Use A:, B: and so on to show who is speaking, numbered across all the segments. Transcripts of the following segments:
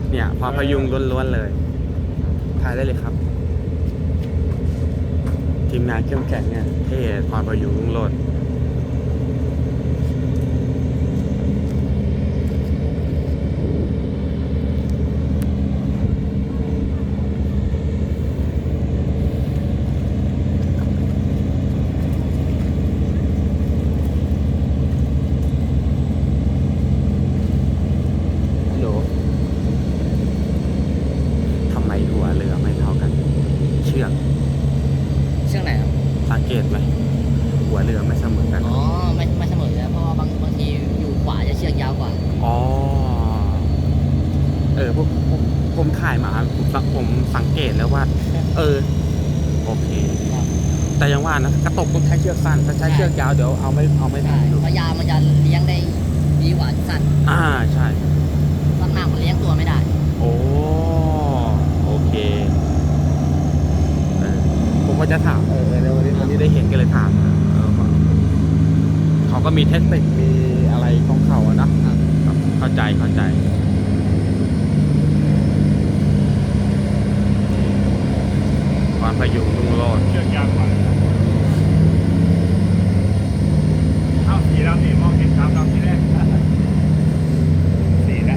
A: เนี่ยความพยุงล้วนๆเลยถ่ายได้เลยครับทีมงานเข้มแข็งเนี่ยเท่ความพยุงรุ่งโรจน์
B: เชือกไหนครับ
A: สังเกตไหมหัวเรือไม่เสมอกัน
B: อ๋อไม่เสมอแล้วเพราะว่าบางทีอยู่ขวาจะเชือกยาวกว่า
A: อ๋อผมถ่ายมาผมสังเกตแล้วว่าโอเคแต่ยังว่านะกระตกต้องใช้เชือกสั้นถ้าใช้เชือกยาวเดี๋ยวเอาไม่ทัน
B: เพราะยาวมันจะเลี้ยงได้ดีกว่าสั้น
A: ใช่
B: สั้นมากมันเลี้ยงตัวไม่ได้
A: โอเคผมก็จะถามวันนี้ได้เห็นกันเลยถามเขาก็มีเทคนิคมีอะไรของเขาอะนะเข้าใจความพยุงรุ่งโรจน์
C: เชือกยาวกว่าเอาสีดำนี่มองเห็นสามดำที่แรกสีแล้ว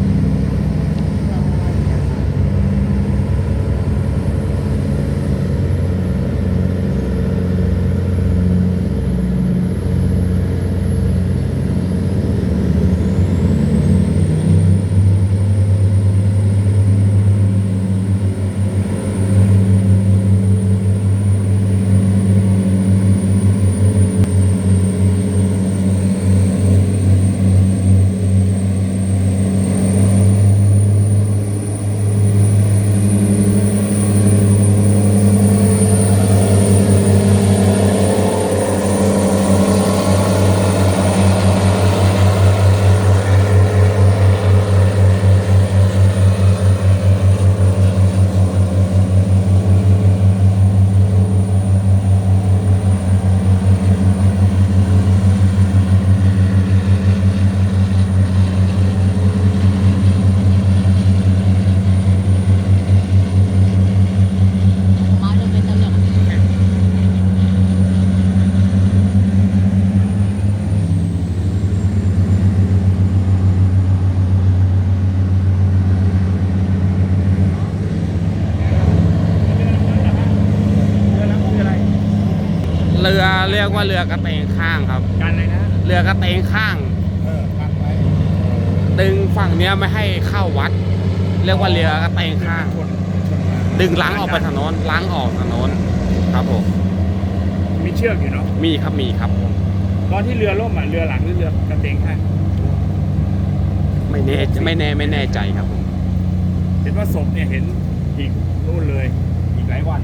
A: เรือเรียกว่าเรือกระเตงข้างครับ
C: กันเลยนะ
A: เรือกระเตงข้าง
C: กันไว้
A: ดึงฝั่งเนี้ยไม่ให้เข้าวัดเรียกว่าเรือกระเตงข้างดึงล้างออกไปถนนล้างออกถนนครับผม
C: มีเชือกอยู่เนาะ
A: มีครับ
C: ตอนที่เรือล่มเรือหลังหรือเรือกระเตงข้าง
A: ไม่แน่ใจครับผม
C: เห็นว่าศพเนี่ยเห็นอีกนู่นเลยอีกหลายวัน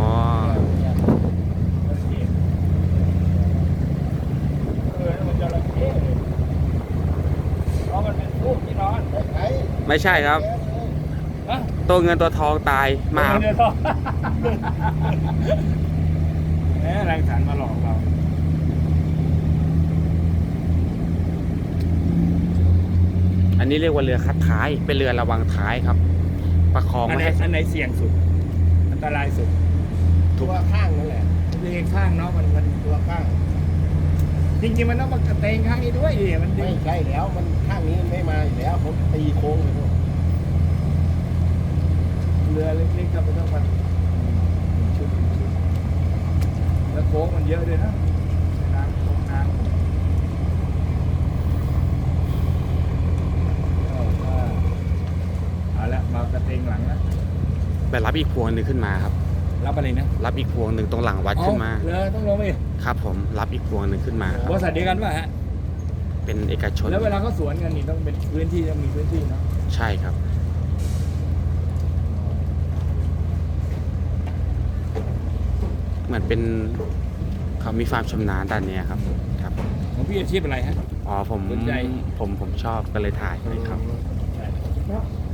C: มันจะระเบิดเพราะมันเป็นรูปที่นอน
A: ไม่ใช่ครับตัวเงินตัวทองตายมา
C: เงินทองแหมแรงขันมาหลอกเรา
A: อันนี้เรียกว่าเรือคัดท้ายเป็นเรือระวังท้ายครับประคองไม่ให้
C: อันไหนเสี่ยงสุดอันตรายสุด
B: ตัวข้างนั่นแหละ
C: ตัวข้างเนาะมัน
B: ตัวข้าง
C: จริงๆมันต้องมากระเตงข้างนี้ด้วยดิมัน
B: ไม่ใช่แล้วมันข้างนี้ไม่มาอยู่แล้วผมตีโค้งเลยด้วย
C: เรือเล็กๆครับมันต้องมาชุดแล้วโค้งมันเยอะด้วยนะน้ำโค้งน้ำเอาละมากระเตงหลังนะ
A: ไปรับอีกพวงหนึ่งขึ้นมาครับ
C: รับอะไรนะ
A: รับอีกพวงหนึ่งตรงหลังวัดขึ้นมา
C: เรือต้องลงไป
A: ครับผมรับอีกพวงหนึ่งขึ้นมา
C: บริษัทเดียวกันป่ะฮะ
A: เป็นเอกชน
C: แล้วเวลาเขาสวนกันนี่ต้องเป็นพื้นที่ต้องมีพื้นที่เนาะ
A: ใช่ครับเหมือนเป็นเขามีความชำนาญด้านนี้ครับ
C: ของพี่อาชีพอะไรฮะ
A: ผมชอบก็เลยถ่ายให้ครับ